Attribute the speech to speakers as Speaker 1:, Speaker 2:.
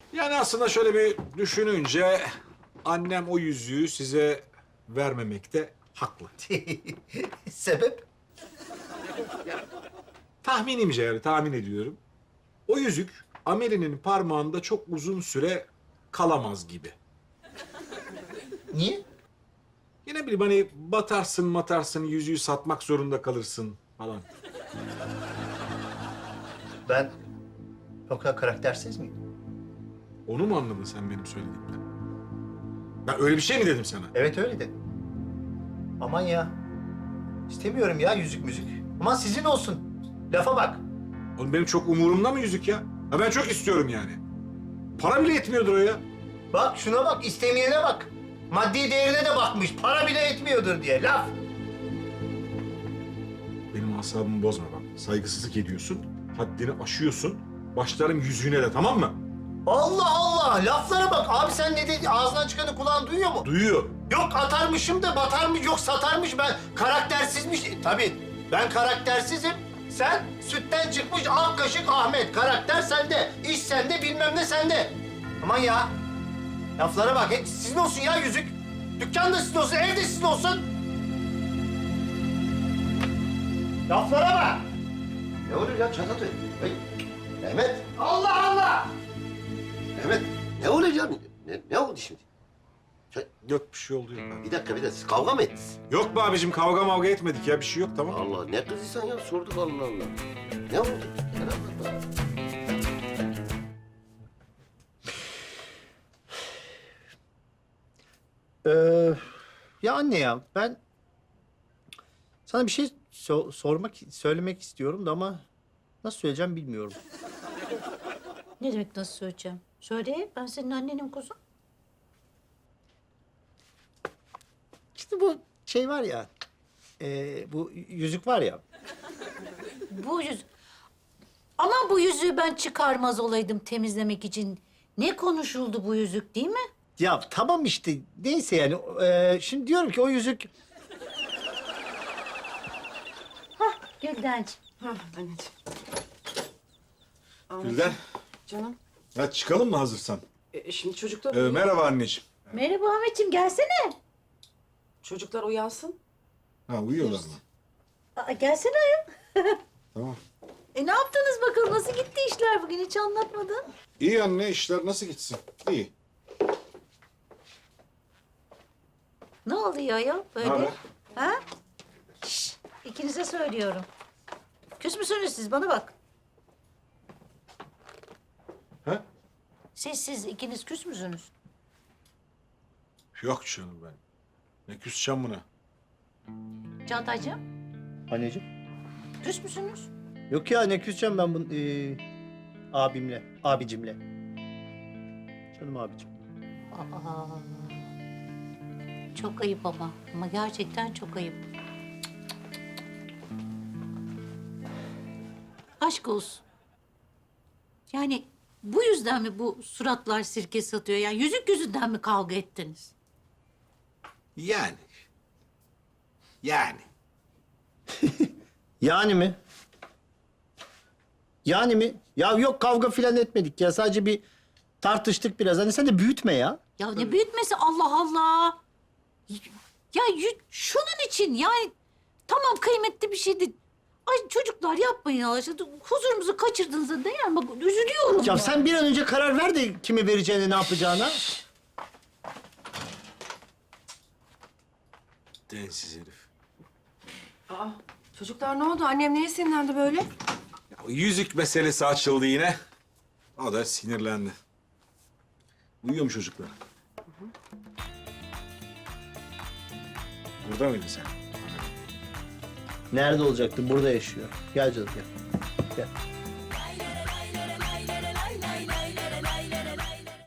Speaker 1: Yani aslında şöyle bir düşününce annem o yüzüğü size vermemekte haklı.
Speaker 2: Sebep?
Speaker 1: Tahminimce yani tahmin ediyorum. O yüzük Ameli'nin parmağında çok uzun süre kalamaz gibi.
Speaker 2: Niye?
Speaker 1: Yine bileyim hani batarsın yüzüğü satmak zorunda kalırsın falan.
Speaker 2: Ben o kadar karaktersiz miyim?
Speaker 1: Onu mu anladın sen benim söylediğimden? Ben öyle bir şey mi dedim sana?
Speaker 2: Evet öyle de. Aman ya. İstemiyorum ya yüzük müzik. Aman sizin olsun. Lafa bak.
Speaker 1: Oğlum benim çok umurumda mı yüzük ya? Ha ben çok istiyorum yani. Para bile yetmiyordur o ya.
Speaker 2: Bak şuna bak, istemeyene bak. Maddi değerine de bakmış. Para bile etmiyordur diye laf.
Speaker 1: Benim asabımı bozma bak. Saygısızlık ediyorsun, haddini aşıyorsun. Başlarım yüzüğüne de tamam mı?
Speaker 2: Allah Allah! Laflara bak. Abi sen ne dedi? Ağzından çıkanı kulağın duyuyor mu?
Speaker 1: Duyuyor.
Speaker 2: Yok atarmışım da batarmış, yok satarmış. Ben karaktersizmiş. Tabii ben karaktersizim. Sen sütten çıkmış ak kaşık Ahmet. Karakter sende, iş sende, bilmem ne sende. Aman ya. Laflara bak. Sizin olsun ya yüzük. Dükkan da sizin olsun, ev de sizin olsun. Laflara bak.
Speaker 3: Ne oluyor ya Çatatay? Hey, Mehmet,
Speaker 2: Allah Allah!
Speaker 3: Mehmet ne oluyor ya? Ne oldu şimdi?
Speaker 1: Yok bir şey oldu yok.
Speaker 3: Bir dakika, siz kavga mı ettiniz?
Speaker 1: Yok be abicim kavga mavga etmedik ya bir şey yok tamam.
Speaker 3: Allah, ne kızıysan ya sorduk Allah Allah. Ne oldu? Gel anlat bana.
Speaker 2: Ya anne ya ben sana bir şey söylemek istiyorum da ama nasıl söyleyeceğim bilmiyorum.
Speaker 4: Ne demek nasıl söyleyeceğim? Söyle, ben senin annenim kuzum.
Speaker 2: İşte bu şey var ya, bu yüzük var ya.
Speaker 4: Bu yüz... Ama bu yüzüğü ben çıkarmaz olaydım temizlemek için. Ne konuşuldu bu yüzük değil mi?
Speaker 2: Ya tamam işte neyse yani şimdi diyorum ki o yüzük
Speaker 4: Güldenciğim.
Speaker 5: Hah anneciğim.
Speaker 1: Gülden,
Speaker 5: Canım.
Speaker 1: hadi çıkalım mı hazırsan?
Speaker 5: Şimdi çocuklar
Speaker 1: Merhaba anneciğim.
Speaker 4: Merhaba Ahmetciğim, gelsene.
Speaker 5: çocuklar uyansın.
Speaker 1: Ha uyuyorlar mı?
Speaker 4: Aa, gelsene ayol.
Speaker 1: Tamam.
Speaker 4: Ne yaptınız bakalım? Nasıl gitti işler bugün? Hiç anlatmadın.
Speaker 1: İyi anne işler nasıl gitsin? İyi.
Speaker 4: Ne oluyor ayol böyle?
Speaker 1: Naber?
Speaker 4: Ha? Şşş, ikinize söylüyorum. Küs müsünüz siz? Bana bak.
Speaker 1: Ha?
Speaker 4: Siz ikiniz küs müsünüz?
Speaker 1: Yok canım ben. Ne küseceğim buna?
Speaker 4: Çağatay'cığım,
Speaker 2: anneciğim.
Speaker 4: küs müsünüz?
Speaker 2: Yok ya ne küseceğim ben bunu abicimle. Canım abicim.
Speaker 4: Aa, çok ayıp ama. Ama gerçekten çok ayıp. Aşk olsun. Yani bu yüzden mi bu suratlar sirke satıyor? Yani yüzük yüzünden mi kavga ettiniz?
Speaker 1: Yani. Yani.
Speaker 2: Yani mi? Yani mi? Ya yok kavga filan etmedik ya. Sadece bir tartıştık biraz. Hani sen de büyütme ya.
Speaker 4: Ya ne büyütmesi Allah Allah. Ya şunun için yani tamam kıymetli bir şeydi. Ay çocuklar yapmayın Allah aşkına. Huzurumuzu kaçırdığınızda değer mi? Bak üzülüyorum.
Speaker 2: Ya sen bir an önce karar ver de kimi vereceğine, ne yapacağına.
Speaker 1: Densiz herif.
Speaker 5: Aa, çocuklar ne oldu? Annem neye sinirlendi böyle?
Speaker 1: Ya, o yüzük meselesi açıldı yine. O da sinirlendi. Uyuyor mu çocuklar? Burada mıydın sen?
Speaker 2: Nerede olacaktı? Burada yaşıyor. Gel canım gel. Gel.